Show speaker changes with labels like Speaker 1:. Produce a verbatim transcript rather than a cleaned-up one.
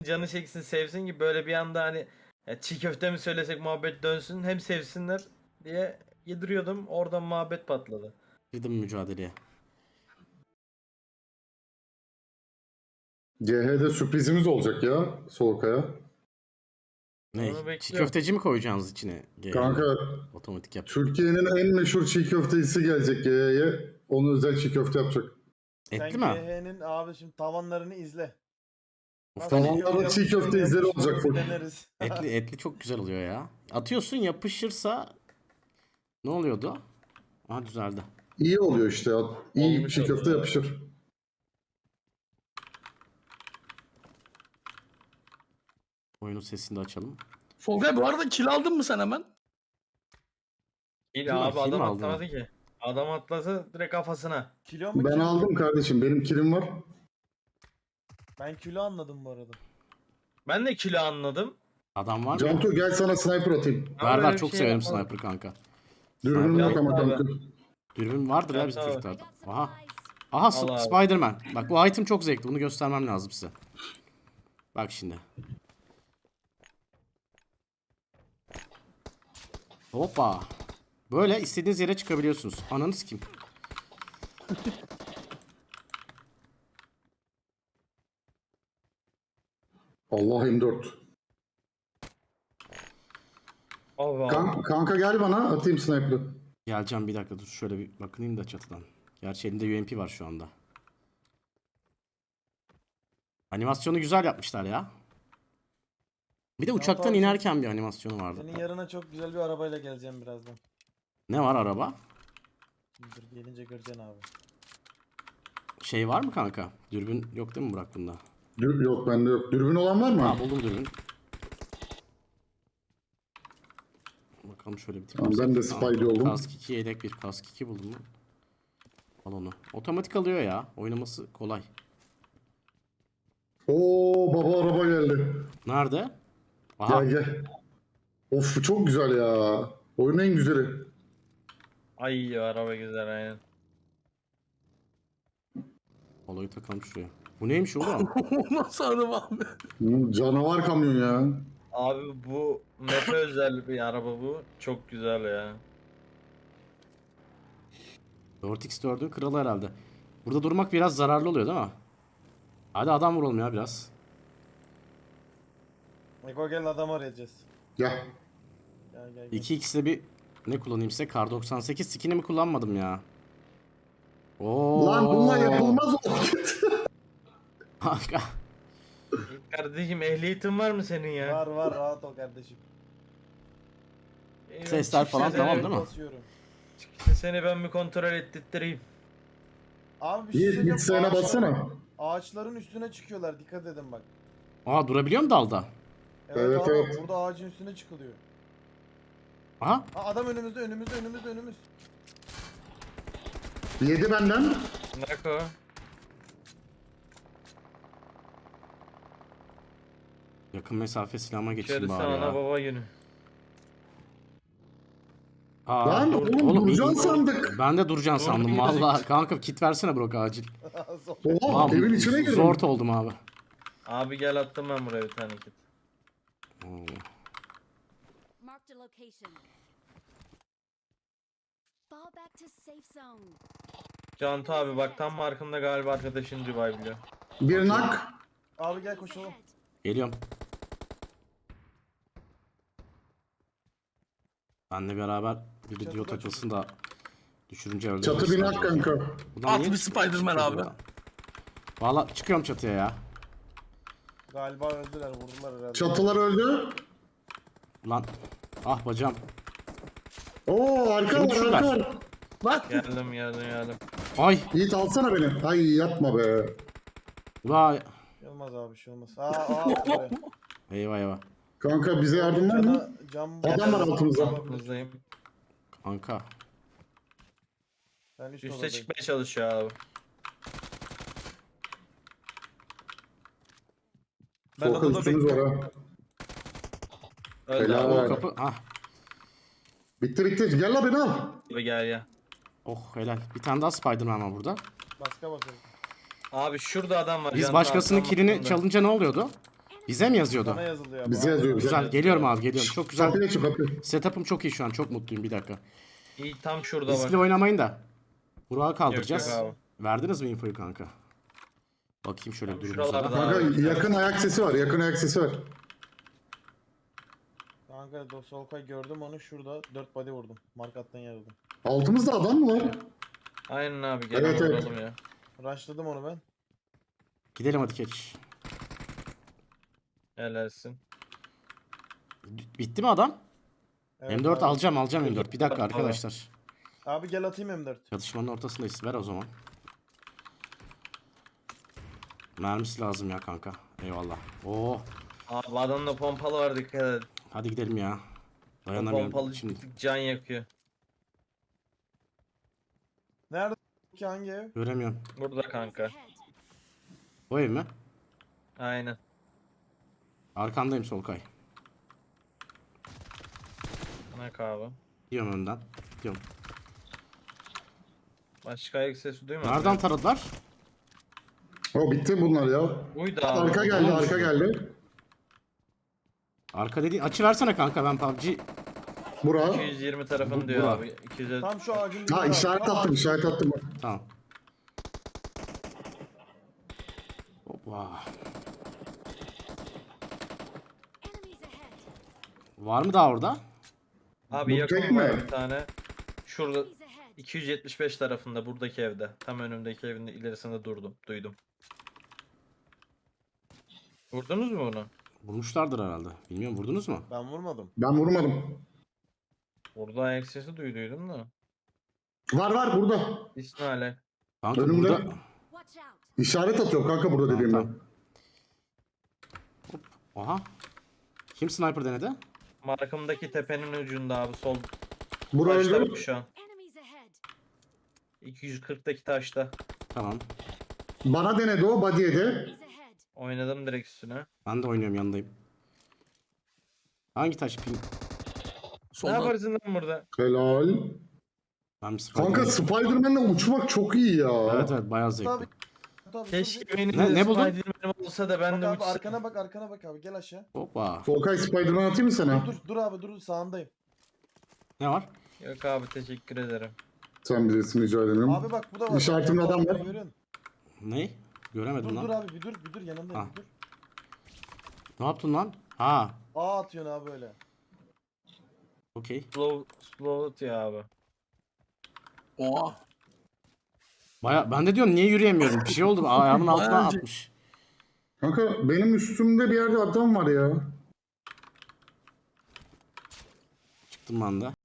Speaker 1: canı çeksin sevsin ki böyle bir anda hani ya çiğ köfte mi söylesek muhabbet dönsün hem sevsinler diye yediriyordum, oradan muhabbet patladı.
Speaker 2: Girdim mücadeleye.
Speaker 3: G H'de sürprizimiz olacak ya Solkaya.
Speaker 2: Ne?
Speaker 1: Onu
Speaker 2: Çiğ
Speaker 1: bekliyorum.
Speaker 2: köfteci mi koyacaksınız içine? G-
Speaker 3: Kanka
Speaker 2: Otomatik yap.
Speaker 3: Türkiye'nin en meşhur çiğ köftecisi gelecek G H'ye. Onun özel çiğ köfte yapacak.
Speaker 2: Etli
Speaker 4: Sen
Speaker 2: mi?
Speaker 4: G H'nin abi şimdi tavanlarını izle.
Speaker 2: Of,
Speaker 4: Nasıl
Speaker 2: ben
Speaker 3: Tavanlara
Speaker 4: yapıyor,
Speaker 3: çiğ
Speaker 4: yapışıyor,
Speaker 3: köfte izleri
Speaker 4: yapışmıyor,
Speaker 3: olacak full.
Speaker 4: deneriz.
Speaker 2: etli, etli çok güzel oluyor ya. Atıyorsun, yapışırsa ne oluyordu? Aha, düzeldi.
Speaker 3: İyi oluyor işte. İyi
Speaker 1: Olmuş
Speaker 3: çiğ köfte
Speaker 1: oluyor.
Speaker 3: yapışır.
Speaker 2: Oyunun sesini de açalım.
Speaker 5: Solkay bu arada kill aldın mı sen hemen?
Speaker 1: İyi
Speaker 2: Kim-
Speaker 1: abi,
Speaker 2: kim
Speaker 1: adam
Speaker 2: aldı
Speaker 1: atlamadı ki. Adam atlasa direkt kafasına.
Speaker 4: Kilo mu
Speaker 3: Ben
Speaker 4: kilo mu?
Speaker 3: aldım kardeşim. Benim kilim var.
Speaker 4: Ben kilo anladım bu arada.
Speaker 1: Ben de kilo anladım.
Speaker 2: Adam var mı?
Speaker 3: Cantu gel sana sniper atayım.
Speaker 1: Ama
Speaker 2: Ver
Speaker 1: böyle
Speaker 2: ver,
Speaker 1: bir
Speaker 2: çok
Speaker 1: şey
Speaker 2: severim
Speaker 1: yapmadım.
Speaker 2: sniper kanka.
Speaker 3: Dürbünüm
Speaker 2: Sniper-
Speaker 3: yok ama
Speaker 1: Abi.
Speaker 3: kanka.
Speaker 2: Dürbün vardır ya
Speaker 1: Evet,
Speaker 2: bizim
Speaker 1: abi.
Speaker 2: çocuklarda. Aha. Aha,
Speaker 1: Al
Speaker 2: S-
Speaker 1: abi.
Speaker 2: Spider-Man. Bak bu item çok zevkli. Bunu göstermem lazım size. Bak şimdi. Hoppa. Böyle istediğiniz yere çıkabiliyorsunuz. Ananız kim?
Speaker 3: Allah M dört.
Speaker 1: Allah
Speaker 3: Kan- kanka gel bana atayım sniper'ı.
Speaker 2: Geleceğim, bir dakika dur. Şöyle bir bakınayım da çatıdan. Gerçi elinde U M P var şu anda. Animasyonu güzel yapmışlar ya. Bir de uçaktan
Speaker 4: abi,
Speaker 2: inerken bir animasyonu vardı.
Speaker 4: Senin yarına çok güzel bir arabayla geleceğim birazdan.
Speaker 2: Ne var araba?
Speaker 4: Dur gelince göreceksin abi.
Speaker 2: Şey var mı kanka? Dürbün yok değil mi Burak bunda?
Speaker 3: Dür yok bende yok. Dürbün olan var mı?
Speaker 2: Ha, buldum dürbün. Bakalım şöyle bir tip.
Speaker 3: Tamam, ben de Spidey oldum.
Speaker 2: Kask iki, yedek bir kask iki buldum mu? Al onu. Otomatik alıyor ya. Oynaması kolay.
Speaker 3: Oo baba araba geldi.
Speaker 2: Nerede? Aha.
Speaker 3: Gel gel. Of bu çok güzel ya. Oyunun en güzeli.
Speaker 1: Ay araba güzel aynen.
Speaker 2: Olayı takalım şuraya. Bu neymiş oğlum?
Speaker 5: O nasıl araba abi?
Speaker 3: Hmm, Canavar kamyon ya.
Speaker 1: Abi bu map'e özel bir araba bu. Çok güzel ya.
Speaker 2: dört x dördün kralı herhalde. Burada durmak biraz zararlı oluyor değil mi? Hadi adam vuralım ya biraz.
Speaker 4: Eko gel adam arayacağız.
Speaker 3: Gel.
Speaker 4: Gel gel gel.
Speaker 2: iki x'de bir ne kullanayım size? Kar doksan sekiz skinimi kullanmadım ya. Oo.
Speaker 3: Lan bununla yapılmaz o.
Speaker 2: Kanka.
Speaker 1: Kardeşim ehliyetin var mı senin ya?
Speaker 4: Var var rahat ol kardeşim.
Speaker 1: Eyvah,
Speaker 2: Sesler
Speaker 1: çıksa
Speaker 2: falan
Speaker 1: seni-
Speaker 2: tamam değil mi?
Speaker 4: Basıyorum.
Speaker 1: çıksa seni ben bir kontrol ettireyim.
Speaker 4: Abi bir şey
Speaker 3: Yiğit
Speaker 4: söyleyeceğim.
Speaker 3: git sağına
Speaker 4: Ağaçlar-
Speaker 3: bassana.
Speaker 4: Ağaçların üstüne çıkıyorlar dikkat edin bak.
Speaker 2: Aa, durabiliyor mu dalda?
Speaker 4: Evet,
Speaker 3: Evet,
Speaker 4: abi
Speaker 3: evet.
Speaker 4: burada ağacın üstüne çıkılıyor.
Speaker 2: Aha.
Speaker 4: Ha adam önümüzde önümüzde önümüzde önümüz.
Speaker 3: Yedi benden.
Speaker 1: Nako.
Speaker 2: Yakın mesafe silahıma geçeyim
Speaker 1: İçerisi
Speaker 2: bari
Speaker 1: ana
Speaker 2: ya.
Speaker 1: baba günü.
Speaker 2: Aa,
Speaker 3: Lan
Speaker 2: dur-
Speaker 3: oğlum,
Speaker 2: iyi-
Speaker 3: duracaksın sandık.
Speaker 2: Ben de duracaksın
Speaker 1: Dur,
Speaker 2: sandım
Speaker 1: iyi
Speaker 2: valla.
Speaker 1: gözüküyor.
Speaker 2: Kanka kit versene Burak acil.
Speaker 3: Oha
Speaker 2: Lan,
Speaker 3: evin içine girdim.
Speaker 2: Zort oldum abi.
Speaker 1: Abi gel attım ben buraya bir tane kit.
Speaker 2: Oo.
Speaker 6: Marked a location. Fall back to safe zone.
Speaker 1: Cantu abi bak tam markımda galiba arkadaşın Dubai biliyor.
Speaker 3: Bir nak.
Speaker 4: Abi gel koşalım.
Speaker 6: Ahead.
Speaker 2: Geliyorum. Benle beraber bir video
Speaker 4: Çatıda
Speaker 2: takılsın da düşürünce öldürürüz.
Speaker 3: Çatı bir nak kanka.
Speaker 2: Buradan
Speaker 5: At
Speaker 2: niye
Speaker 5: bir Spider-Man
Speaker 2: çıkıyor
Speaker 5: abi.
Speaker 2: bu ya? Valla çıkıyorum çatıya ya.
Speaker 4: Galiba öldüler vurdular herhalde.
Speaker 3: Çatılar öldü.
Speaker 2: Lan. Ah bacağım.
Speaker 3: Oo arka
Speaker 2: Şimdi
Speaker 3: var
Speaker 2: şurada.
Speaker 3: arka var.
Speaker 5: Lan
Speaker 1: Geldim geldim geldim.
Speaker 2: Ay.
Speaker 3: Yiğit alsana beni. Ay yapma be.
Speaker 2: Vay.
Speaker 4: Şey olmaz abi şey olmaz. Aa aa. buraya.
Speaker 2: Eyvah eyvah.
Speaker 3: Kanka bize yardım var mı?
Speaker 4: Cana, cam
Speaker 3: Adam var altımızda.
Speaker 1: Altımızdayım.
Speaker 2: Kanka.
Speaker 4: Ben üst
Speaker 1: Üste
Speaker 4: odadayım.
Speaker 1: çıkmaya çalışıyor abi.
Speaker 4: Ben
Speaker 3: Volkan
Speaker 4: odada
Speaker 3: üstümüz var
Speaker 4: bekliyorum.
Speaker 3: ha.
Speaker 1: Öldü
Speaker 3: Helal.
Speaker 1: abi.
Speaker 2: O
Speaker 3: Evet.
Speaker 2: kapı. Ah.
Speaker 3: Bitti bitti. Gel la beni al.
Speaker 1: Abi gel ya.
Speaker 2: Oh helal. Bir tane daha Spider-Man var burada.
Speaker 4: Baska bakalım.
Speaker 1: Abi şurada adam var.
Speaker 2: Biz
Speaker 1: Cantu
Speaker 2: başkasının
Speaker 1: abi, tam
Speaker 2: kilini
Speaker 1: markımda.
Speaker 2: çalınca ne oluyordu? Bize mi yazıyordu?
Speaker 4: Sana yazılıyor abi.
Speaker 3: Bize yazıyor, bize.
Speaker 2: Güzel. Geliyorum abi geliyorum. Çok güzel.
Speaker 3: Kapıya çık kapıya.
Speaker 2: Setup'ım çok iyi şu an. Çok mutluyum. Bir dakika.
Speaker 1: İyi tam şurada
Speaker 2: Riskli
Speaker 1: bak.
Speaker 2: oynamayın da. Burak'ı
Speaker 1: Yok,
Speaker 2: kaldıracağız.
Speaker 1: yok abi.
Speaker 2: Verdiniz mi infoyu kanka? Bakayım şöyle
Speaker 1: Tam
Speaker 2: durumuza
Speaker 1: şuralarda.
Speaker 2: da.
Speaker 3: Kanka yakın ayak sesi var. Yakın ayak sesi var.
Speaker 4: Kanka do- Solkay gördüm onu şurada. dört body vurdum. Markattan yarıldım.
Speaker 3: Altımızda adam mı var?
Speaker 1: Aynen abi gel
Speaker 3: Evet, evet.
Speaker 1: vuralım ya.
Speaker 4: Rushladım onu ben.
Speaker 2: Gidelim hadi geç.
Speaker 1: Helalsin.
Speaker 2: Bitti mi adam?
Speaker 4: Evet
Speaker 2: M dört
Speaker 4: abi.
Speaker 2: alacağım alacağım M dört. Bir dakika
Speaker 1: Abi.
Speaker 2: arkadaşlar.
Speaker 4: Abi gel atayım M dört.
Speaker 2: Çatışmanın ortasındayız. Ver o zaman. Mermisi lazım ya kanka. Eyvallah. Oo.
Speaker 1: Abi adamda pompalı var dikkat et.
Speaker 2: Hadi gidelim ya.
Speaker 1: O
Speaker 2: Dayanamıyorum.
Speaker 1: pompalı
Speaker 2: Şimdi
Speaker 1: ciddi can yakıyor.
Speaker 4: Nerede ki hangi ev?
Speaker 2: göremiyorum.
Speaker 1: Burada kanka.
Speaker 6: Ahead.
Speaker 2: O ev mi?
Speaker 1: Aynen.
Speaker 2: Arkandayım Solkay.
Speaker 1: Ne abi.
Speaker 2: Gidiyorum önden. Gidiyorum.
Speaker 1: Başka ayak sesi duymadın.
Speaker 2: Nereden
Speaker 1: mı?
Speaker 2: taradılar?
Speaker 3: O bitti bunlar ya.
Speaker 1: Buydu abi.
Speaker 3: Arka geldi, arka geldi.
Speaker 2: Arka dedi. Açı versene kanka ben P U B G.
Speaker 3: Bura.
Speaker 1: iki yüz yirmi tarafın
Speaker 2: Bu-
Speaker 1: diyor
Speaker 2: bura.
Speaker 1: abi. iki yüz
Speaker 4: Tam şu ağacın
Speaker 3: Ha
Speaker 4: dibinde abi.
Speaker 3: işaret
Speaker 4: Tam
Speaker 3: attım,
Speaker 4: ağacın-
Speaker 3: işaret attım.
Speaker 2: Tamam. Hoppa.
Speaker 6: Enemies ahead.
Speaker 2: Var mı daha orada?
Speaker 1: Abi
Speaker 3: Bu
Speaker 1: yakın
Speaker 3: tek
Speaker 1: var
Speaker 3: mi?
Speaker 1: bir tane. Şurada
Speaker 6: Enemies ahead.
Speaker 1: iki yüz yetmiş beş tarafında buradaki evde. Tam önümdeki evin ilerisinde durdum. Duydum. Vurdunuz mu bunu?
Speaker 2: Vurmuşlardır herhalde. Bilmiyorum vurdunuz mu?
Speaker 4: Ben vurmadım.
Speaker 3: Ben vurmadım.
Speaker 1: Burada ayak sesi duyduydum da.
Speaker 3: Var var burada.
Speaker 1: İsmail'e.
Speaker 2: Kanka
Speaker 3: Önümde.
Speaker 2: burada...
Speaker 6: Watch out.
Speaker 3: İşaret atıyor kanka burada
Speaker 2: Tamam,
Speaker 3: dediğimde.
Speaker 2: tamam. Aha. Kim sniper denedi?
Speaker 1: Markamdaki tepenin ucunda abi sol
Speaker 3: Bura
Speaker 1: taşta
Speaker 3: öldü.
Speaker 1: bu şu an.
Speaker 6: Enemies ahead.
Speaker 1: iki yüz kırktaki taşta.
Speaker 2: Tamam.
Speaker 3: Bana denedi o body'ye de.
Speaker 6: Enemies ahead.
Speaker 1: Oynadım direkt üstüne.
Speaker 2: Ben de oynuyorum yanındayım. Hangi taş ping?
Speaker 1: Ne
Speaker 5: Solda.
Speaker 1: yaparsın lan burada?
Speaker 3: Helal.
Speaker 2: Ben bir Spider-
Speaker 3: Kanka Spider-Man'le uçmak çok iyi ya.
Speaker 2: Evet evet bayağı
Speaker 4: Abi.
Speaker 2: zevkli.
Speaker 4: Abi,
Speaker 1: Keşke benim
Speaker 2: Ne-
Speaker 1: de
Speaker 2: ne buldun?
Speaker 1: Spider-Man'im olsa da ben
Speaker 4: Bak
Speaker 1: de
Speaker 4: abi
Speaker 1: uçsam.
Speaker 4: arkana bak arkana bak abi gel aşağı.
Speaker 2: Hoppa.
Speaker 3: Solkay Spider-Man atayım mı sana?
Speaker 4: Dur dur abi dur sağındayım.
Speaker 2: Ne var?
Speaker 1: Yok abi teşekkür ederim.
Speaker 3: Sen bilirsin rica ederim.
Speaker 4: Abi bak bu da var.
Speaker 3: İşaretimde adam var.
Speaker 4: Görüyorsun.
Speaker 2: Ne? Göremedim
Speaker 4: Dur
Speaker 2: lan.
Speaker 4: dur abi bir dur bir dur yanındayım
Speaker 2: Ha.
Speaker 4: bir dur.
Speaker 2: Ne yaptın lan? Ha.
Speaker 4: A atıyorsun abi öyle.
Speaker 2: Okey.
Speaker 1: Slow, slow ya abi.
Speaker 5: Oha.
Speaker 2: Baya ben de diyorum niye yürüyemiyorum? Bir şey oldu. Ayağımın altına
Speaker 5: Bayağı-
Speaker 2: atmış.
Speaker 3: Kanka benim üstümde bir yerde adam var ya.
Speaker 2: Çıktım ben de.